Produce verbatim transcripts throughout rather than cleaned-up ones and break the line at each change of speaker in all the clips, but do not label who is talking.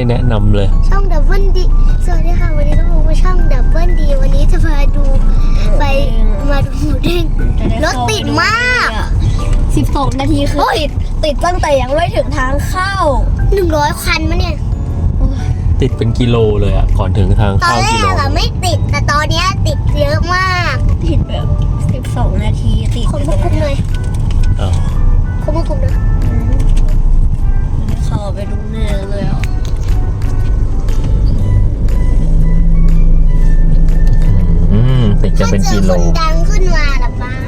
ได้แนะนำเลย
ช่องดับเบิลดีสวัสดีค่ะวันนี้ต้องมาช่องดับเบิลดีวันนี้จะพาดูไปมาดูหมูเด้งรถติดมาก
สิบสองนาทีคือติดติดตั้งแต่ยังไม่ถึงทางเข้า
หนึ่งร้อยคันมั้ยเนี่ย
ติดเป็นกิโลเลยอ่ะก่อนถึงทางเข้ากิโล
ตอนแรกอะไม่ติดแต่ตอนนี้ติดเยอะมาก
ติดแบบสิบสองนาทีติด
คนควบคุมเลย
อ้าว
คนควบคุมนะ
เข้าไปดูเนื้อเลยอ่ะ
อืมติดจะเป็นกิโล
คนดังขึ้นมาละป้า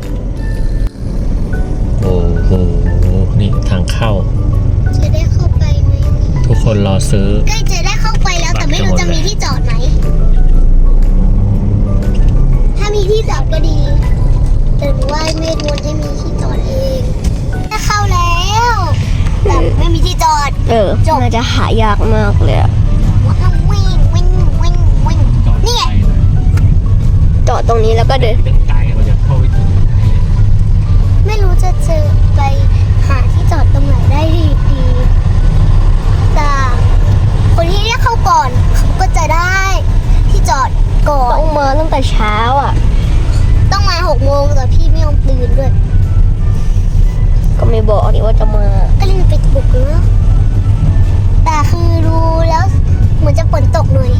โอ้โหนี่ทางเข้า
จะได้เข้าไปไหม
ทุกคนรอซื้อ
ใกล้จะได้เข้าไปแล้วแต่ไม่รู้จะมีที่จอดไหมถ้ามีที่จอดก็ดีแต่ว่าไม่รู้จะมีที่จอดเองถ้าเข้าแล้วแต่ไม่มีที่จอด
เออมันจะหายากมากเลยอะ
วิ่งวิ่งวิ่งวิ่งนี่ไง
จอดตรงนี้แล้วก็เดิน
เป็นไกด์เราจะเข้าไปถึง
ไม่รู้จะเจอไปหาที่จอดตรงไหนได้ดีดีแต่คนที่เรียกเข้าก่อนเขาก็จะได้ที่จอดก่อน
ต้องมาตั้งแต่เช้าอ่ะ
ต้องมาหกโมงแต่พี่ไม่ยอมตื่นด้วย
ก็ไม่บอกนี่ว่าจะมา
ก็เลยไปปลุกเนาะแต่คือดูแล้วเหมือนจะฝนตกหน่อย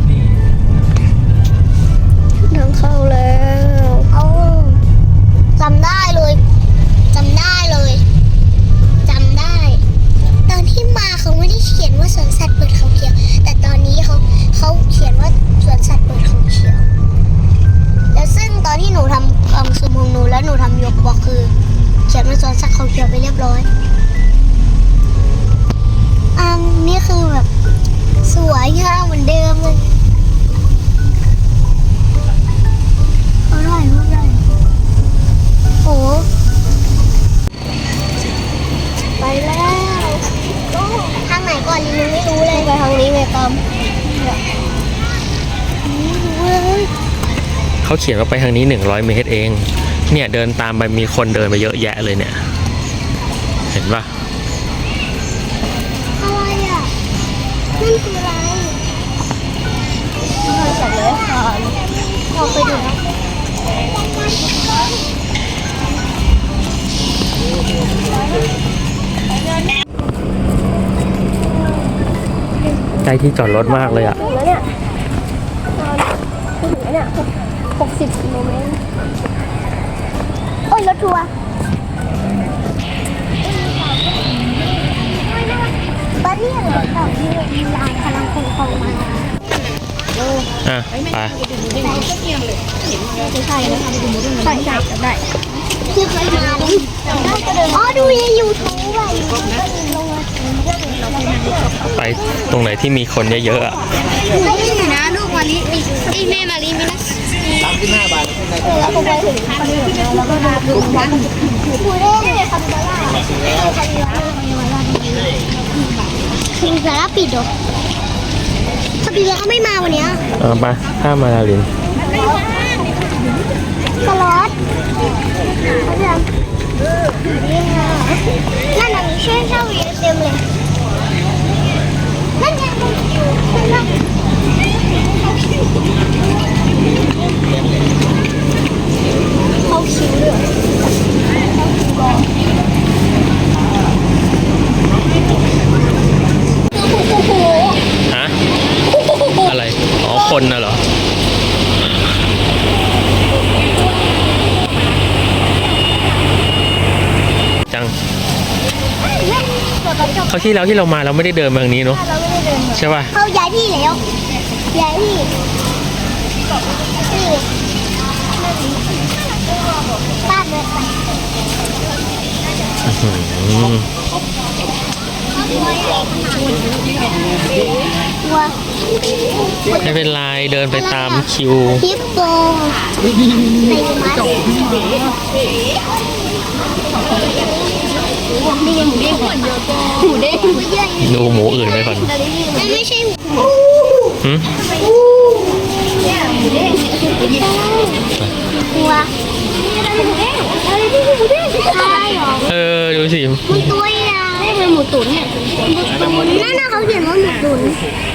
ทางเข้าแล้ว
เอาจำได้เลยจำได้เลยจำได้ตอนที่มาเขาไม่ได้เขียนว่าสวนสัตว์เปิดเขาเขียวแต่ตอนนี้เขาเขาเขียนว่าสวนสัตว์เปิดเขาเขียวแล้วซึ่งตอนที่หนูทำกล่องซูมของหนูแล้วหนูทำยกบอกคือเขียนว่าสวนสัตว์เขาเขียวไปเรียบร้อยอันนี้คือแบบสวยงามเหมือนเดิมเลยเขาถ่ายรูปได้โอ้ไปแล้วทางไหนก่อนลิงไม่รู้เลย
ไปทางนี้ไงตาม
ไม่รู้เลย
เขาเขียนว่าไปทางนี้หนึ่งร้อยเมตรเองเนี่ยเดินตามไปมีคนเดินไปเยอะแยะเลยเนี่ยเห็นปะ
อะไรอ่ะนั่นคืออะไร
เราจับเลยค่ะ
ออกไปดูนะ
ใกล้ที่จอดรถมากเลยอ่ะ
แล้วเนี่ยถึงแล้วเนี่ยหกสิบกิโลเมตร
โอ้ยรถทัวร์บ้านนี้เหรอต่อที่มีลานพลังคงคงมา
อ่ะไป
ใช่ใช่นะคะไปดูมูดใช่ใช่จำได้
คือเคยมาดิอ๋อดูในยูทูบไป
ไปตรงไหนที่มีคนเยอะๆอ่ะ
ไม่ได้นะลูกมาลิมีไอแม่มาลิมีนะสามสิบห้าบาทแล้วก็ไปถึงแล้วก็มาดูร้านคูเร่คาบิบาร่าคาบิบาร่าคิงซาร่าปิดเหรอคาบิบาร่าไม่มาวันนี้
เออไปข้ามมาลาลิน
สล็อตนั่นน่ะมีเช่นเช่าเยอะเต็มเลยนั่นไงเขาคิ้วเลย
ฮะอะไรอ๋อคนน่ะเหรอจังเขาที่แล้วที่เรามาเราไม่ได้เดินมาทางนี้เนาะใช่ป่ะ
เขาย้ายที่แล้วย้ายที่นี่บ้านเลย
ไม่เป็นไรเดินไปตามคิว
ฮิปโปในมัดหมูเด้งหมูเด้งหมูเด้ง
ดูหมูอื่นไปก่อน
ไม่ใช่หมู
หืม
เนี่ยหมูเด้งตัวหมูเด้งอะไรที่หมูเด้งใช่หรอ
เออดูสิ
มันตัวใหญ่
หมูตุ๋นเนี่ย
นั่นน่ะเขาเขียนว่าหมูตุ๋น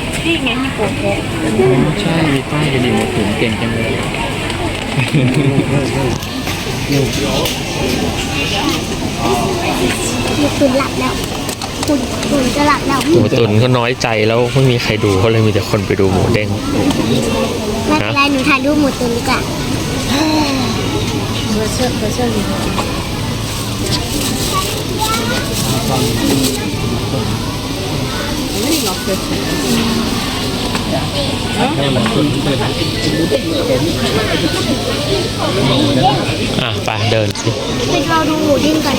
ใช่มีป้ายกระดิ่งหมูตุ๋นเก่งจังเลย
หมูตุ๋นหลับแล้วคุณตุ๋นจะหลับแล้ว
หมูตุ๋นเขาน้อยใจแล้วไม่มีใครดูเขาเลยมีแต่คนไปดูหมูเด้ง
ไม่เป็นไรหนูถ่ายรูปหมูตุ๋นดีกว่า
เบอร์เชอร์เบอร์เชอร์
อ่ะไปเดินสิ
ไปรอดูหมูเด้งก่อน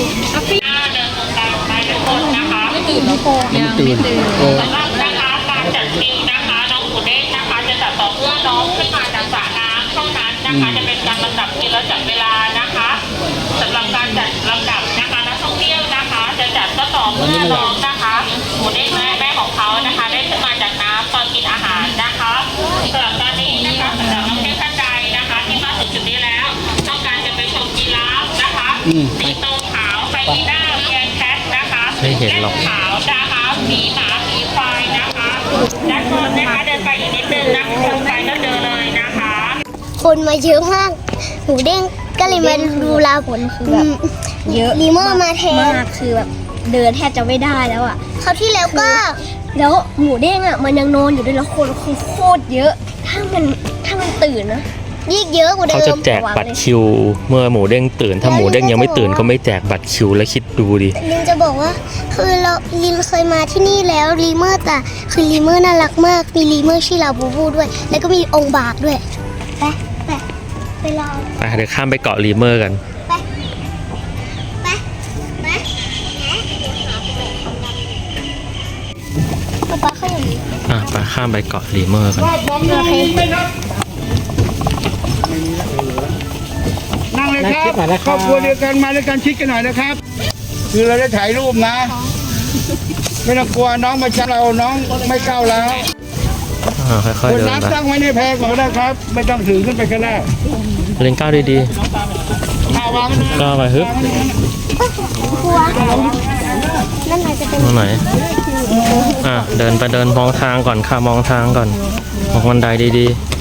ตื่นแล้วโคยังไม่ตื่น
สำหรับนะคะการจัดคิวนะคะน้องหมูเด้งนะคะจะจัดต่อเมื่อน้องขึ้นมาจากสระน้ำเท่านั้นนะคะจะเป็นการลำดับคิวและจัดเวลานะคะสำหรับการจัดลำดับนะคะนักท่องเที่ยวนะคะ จะจัดก็ต่อเมื่อน้องนะคะหมูเด้งและแม่ของเขานะคะได้ขึ้นมาจากน้ำตอนกินอาหารนะคะสำหรับตอนนี้นะคะสำหรับนักเที่ยวท่านใดนะคะที่มาถึงจุดนี้แล้วต้องการจะไปชมกีฬาฟนะคะสิงโตขาวไฮยีน่าเมียแคทนะคะ
ไม่เห็นหรอก
ขาวนะคะมีหมามีควายนะคะด้านบนนะคะเดินไปอีกนิดนึงนะคะตรงไปก็เจอเลยนะคะ
คนมาเยอะมากหมูเด้งก็เลยมาดูลาผล
คือแบบเยอะ
ลีเมอร์มาแทน
มากคือแบบเดินแทบจะไม่ได้แล้วอ่ะ
เขาวที่แล้วก็
แล้วหมูเด้งอ่ะมันยังนอนอยู่ด้วยแล้วคนคือโคตรเยอะ ถ้ามันถ้ามันตื่นนะ
ยิ่งเยอะกว่าเดิ
เขาจะ
ม
แจกบัตรคิว เมื่อหมูเด้งตื่น ถ้าหมูเด้งยังไม่ตื่นเขาไม่แจกบัตรคิวแล้วคิดดูดิ
ลินจะบอกว่าคือเราลินเคยมาที่นี่แล้วลีเมอร์แต่คือลีเมอร์น่ารักมากมีลีเมอร์ชื่อลาบูบูด้วย แล้วก็มีองค์บากด้วยไปไปไปรอ
ไปเดี๋ยวข้ามไปเกาะลีเมอร์กัน
ไปไปไปป๊าป๊าเขาอย่างนี้
อ่ะไปข้ามไปเกาะลีเมอร์กัน
นั่งเลยครับครอบครัวเดียวกันมาด้วยกันชิดกันหน่อยนะครับ คือเราได้ถ่ายรูปนะ ไม่ต้องกลัวน้องมาชักเราน้องไม่ก้าวแล้ว
อ่าค่อย
ค
ๆ
น
เดิน
น้ำ
ไป
ตั้งไว้ในแพรก่อนก็ได้ครับ ไม่ต้องถือขึ้นไปก็ได้
เล่นก้าวดี
ข้าวาง
ๆก้าวไปฮึบ
กลัวนั่นอาจจะเป็น
ตรงไหนอ่ะเดินไปเดินมองทางก่อนค่ะมองทางก่อนมองบันไดดี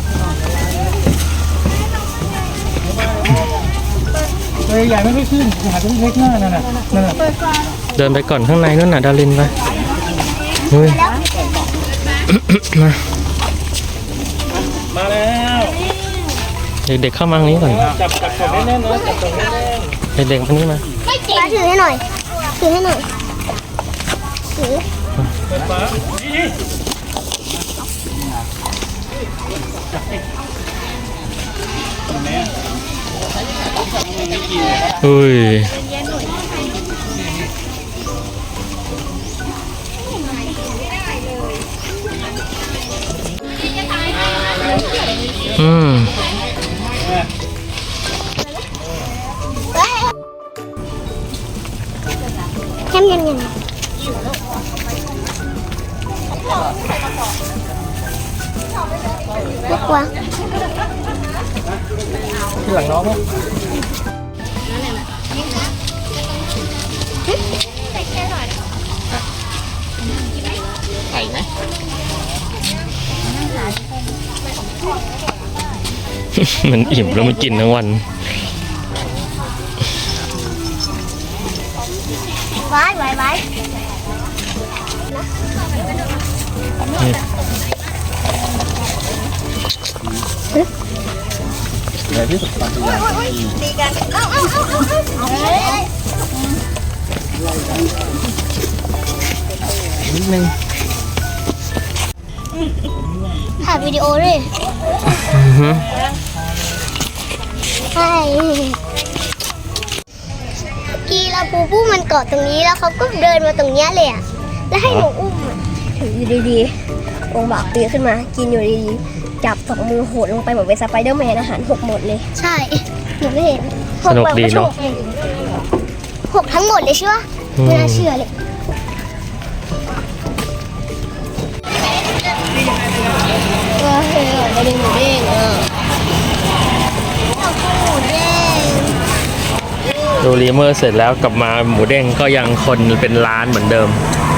เลยใหญ่ไม่ค่อยขึ้นหาตรงเล็กหน้านั่นน่ะนั่นน่ะ
ๆ เดินไปก่อนข้างในนู่นน่ะดารินไปเฮ้ย มา
มาแล้ว
เด็กๆเข้ามาทางนี้ก่อน
จับจับกดแน่นๆนะจับกดแน่น
เด็กๆมานี่มา
ป้าถือให้หน่อยถือให้หน่อยถือ
อุ้ยอืม
แคมยังยังไม่กลัว
ที่หลังน้องมั้ย ไข่ไหม
มันอิ่มแล้วมันกินทั้งวัน
ไว้ไว้ไว้
ใหญ่ที่สุดปัจจุบัน
ตีกันเอาเอาเอาเอาเอา
นิดนึง
ถ่ายวิดีโอด้วย
อือฮึ
ใช่กีลาปูปูมันเกาะตรงนี้แล้วเขาก็เดินมาตรงเนี้ยเลยอ่ะแล้วให้หนูอุ้มอ่ะ
ถืออยู่ดีๆองค์บากปีนขึ้นมา กินอยู่ดีๆ จับสองมือโหดลงไปเหมือนเป็นสไปเดอร์แมนอาหารหกหมดเลย
ใช่หนูไม่เห็น
สนุกดีเนาะ
หกทั้งหมดเลยใช่ปะไม่น่าเชื่อเลยว้าวเฮ้ยกระดิ่งหมูเด้งอ่ะหมูเด้ง
ดูรีเมอร์เสร็จแล้วกลับมาหมูเด้งก็ยังคนเป็นล้านเหมือนเดิม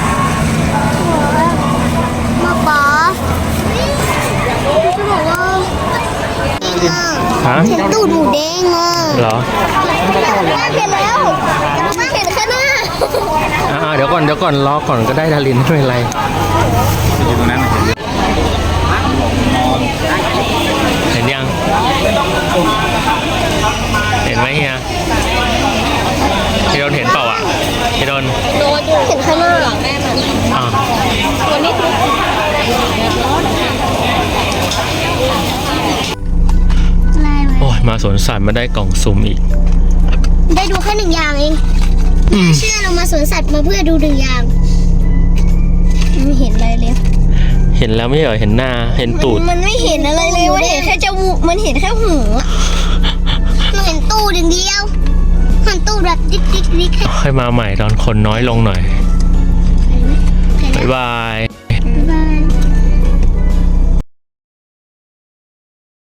มาป๋าจะบอกว่า
ฮะ
เห็นตูดหมูแดงอ่ะ
เหรอ
เห็นแล้วแต่เห็นแค่หน้า
อ่าเดี๋ยวก่อนเดี๋ยวก่อนรอก่อนก็ได้ดารินไม่เป็นไรเห็นยัง เห็นไหมเฮียพี่โดนเห็นเปล่าอ่ะพี่โดน
โดนเห็นข้างหน้าหลังแม่มัน
อ่า
ตัวนี้
อะไรไหม
โอ้ยมาสวนสัตว์มาได้กล่องสุ่มอีก
ได้ดูแค่หนึ่งอย่างเองไม่เชื่อเรามาสวนสัตว์มาเพื่อดูหนึ่งอย่าง
ไม่เห็นอะไรเลย
เห็นแล้วไม่เหรอเห็นหน้าเห็นตูด
มันไม่เห็นอะไรเลยมันเห็นแค่จมูกมันเห็นแค่หูอะ
เราเห็นตูดอย่างเดียวเห็นตูดแบบดิ๊กดิ๊กดิ๊ก
ค่อยมาใหม่ตอนคนน้อยลงหน่อย
เห็นไหม
บ๊ายบาย